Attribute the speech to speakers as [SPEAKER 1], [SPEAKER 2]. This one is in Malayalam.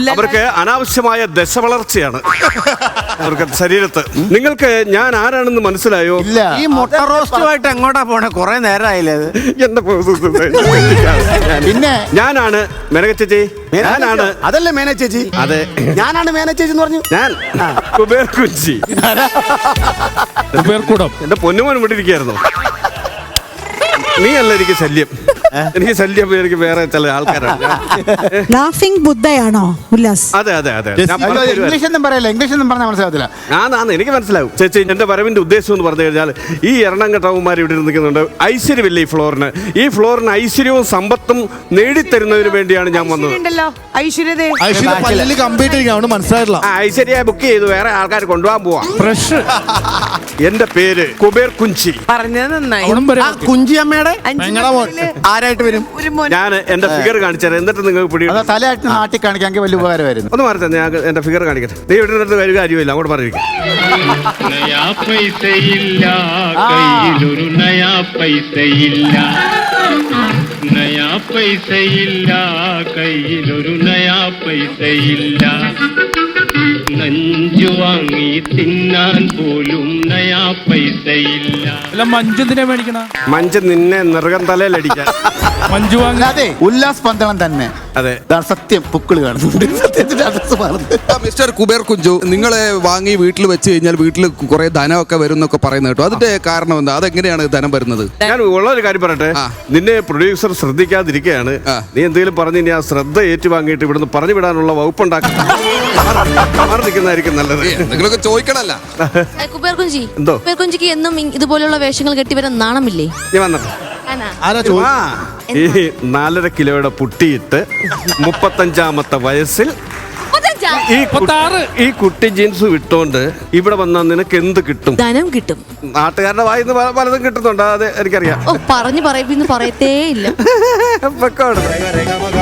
[SPEAKER 1] അവർക്ക് അനാവശ്യമായ ദശവളർച്ചയാണ് അവർക്ക് ശരീരത്ത്. നിങ്ങൾക്ക് ഞാൻ ആരാണെന്ന് മനസ്സിലായോ?
[SPEAKER 2] ഈ മുട്ട റോസ്റ്റുമായിട്ട് എങ്ങോട്ടാ പോണേ? കുറെ നേരമായില്ലേ അത്?
[SPEAKER 1] എന്റെ
[SPEAKER 3] പിന്നെ
[SPEAKER 1] ഞാനാണ് മേനക ചേച്ചി. ഞാനാണ്.
[SPEAKER 3] അതല്ലേ മേന ചേച്ചി?
[SPEAKER 1] അതെ,
[SPEAKER 3] ഞാനാണ് മേന ചേച്ചി എന്ന് പറഞ്ഞു.
[SPEAKER 1] ഞാൻ കുബേർ കുഞ്ചി. എന്റെ പൊന്നുമോൻ ഇവിടെ ഇരിക്കായിരുന്നു. നീ അല്ല എനിക്ക് ശല്യം. എനിക്ക് ശല്യം എനിക്ക് വേറെ ചില ആൾക്കാരാണ്.
[SPEAKER 4] ലാഫിംഗ് ബുദ്ധയാണോ ഉല്ലാസ്?
[SPEAKER 1] അതെ അതെ അതെ.
[SPEAKER 3] ഇംഗ്ലീഷ് ഒന്നും പറയല്ല, ഇംഗ്ലീഷ് ഒന്നും പറഞ്ഞാൽ മനസ്സിലാകത്തില്ല.
[SPEAKER 1] എനിക്ക് മനസ്സിലാവും ചേച്ചി. എന്റെ വരവിന്റെ ഉദ്ദേശം എന്ന് പറഞ്ഞു കഴിഞ്ഞാൽ ഈ എറണാകുളമാർ ഇവിടെ നിൽക്കുന്നുണ്ട്. ഐശ്വര്യമില്ല ഈ ഫ്ലോറിന്. ഈ ഫ്ലോറിന് ഐശ്വര്യവും സമ്പത്തും നേടിത്തരുന്നതിന് വേണ്ടിയാണ് ഞാൻ വന്നത്. ഐശ്വര്യ ബുക്ക് ചെയ്തു, വേറെ ആൾക്കാർ കൊണ്ടുപോകാൻ പോവാ. എന്റെ പേര് കുബേർ കുഞ്ചി.
[SPEAKER 2] പറഞ്ഞത് നന്നായി.
[SPEAKER 3] കുഞ്ചി അമ്മയുടെ ആരായിട്ട് വരും?
[SPEAKER 1] ഞാൻ എന്റെ ഫിഗർ കാണിച്ചാൽ എന്നിട്ട് നിങ്ങൾക്ക് പിടി
[SPEAKER 3] തലയായിട്ട് നാട്ടിൽ കാണിക്കാൻ വലിയ ഉപകാരമായിരുന്നു.
[SPEAKER 1] ഒന്ന് മാറി തന്നെ, ഞാൻ എന്റെ ഫിഗർ കാണിക്കട്ടെ. നീ ഇവിടെ നിന്ന് ഒരു കാര്യമില്ല, അങ്ങോട്ട് പറഞ്ഞിരിക്കും.
[SPEAKER 5] നയാ പൈസയില്ല കയ്യിലൊരു നയാ പൈസയില്ല, നയാ പൈസയില്ല കയ്യിലൊരു നയാ പൈസയില്ല, നഞ്ചു വാങ്ങി തിന്നാൻ പോലും നയാ പൈസയില്ല.
[SPEAKER 6] മഞ്ജുന്തിനെ മേടിക്കണ
[SPEAKER 1] മഞ്ജു നിന്നെ നിറകം തലയിലടിക്കാൻ.
[SPEAKER 6] മഞ്ജു വാങ്ങി.
[SPEAKER 3] അതെ, ഉല്ലാസ് പന്തളം തന്നെ.
[SPEAKER 1] അതെ,
[SPEAKER 3] സത്യം പുക്കിള് കാണുന്നുണ്ട്.
[SPEAKER 7] മിസ്റ്റർ കുബേർ കുഞ്ചു, നിങ്ങളെ വാങ്ങി വീട്ടിൽ വെച്ച് കഴിഞ്ഞാൽ വീട്ടിൽ കുറെ ധനമൊക്കെ വരും എന്നൊക്കെ പറയുന്നത് കേട്ടോ. അതിന്റെ കാരണം എന്താ? അതെങ്ങനെയാണ് ധനം വരുന്നത്?
[SPEAKER 1] ഞാൻ ഉള്ളൊരു കാര്യം പറയട്ടെ. നിന്നെ പ്രൊഡ്യൂസർ ശ്രദ്ധിക്കാതിരിക്കുകയാണ്. നീ എന്തെങ്കിലും പറഞ്ഞു ഇനി ആ ശ്രദ്ധ ഏറ്റുവാങ്ങിയിട്ട് ഇവിടുന്ന് പറഞ്ഞു വിടാനുള്ള വകുപ്പുണ്ടാക്കി മാറി നിൽക്കുന്നതായിരിക്കും നല്ലത്.
[SPEAKER 7] നിങ്ങളൊക്കെ ചോദിക്കണല്ല.
[SPEAKER 8] കുബേർ കുഞ്ചി,
[SPEAKER 1] എന്തോ?
[SPEAKER 8] കുബേർ കുഞ്ചിക്ക് എന്നും ഇതുപോലുള്ള വേഷങ്ങൾ കെട്ടിവരാൻ നാണമില്ലേ?
[SPEAKER 1] നീ വന്നിട്ട് ഈ 4.5 കിലോയുടെ പുട്ടിയിട്ട് 35ാമത്തെ വയസ്സിൽ ഈ കുട്ടി ജീൻസ് വിട്ടോണ്ട് ഇവിടെ വന്നാൽ നിനക്ക് എന്ത് കിട്ടും?
[SPEAKER 8] ധനം കിട്ടും.
[SPEAKER 1] നാട്ടുകാരുടെ വായിന്ന് പലതും കിട്ടുന്നുണ്ട്, അത് എനിക്കറിയാം.
[SPEAKER 8] പറഞ്ഞു പറയിപ്പിന്ന് പറയത്തേ ഇല്ല.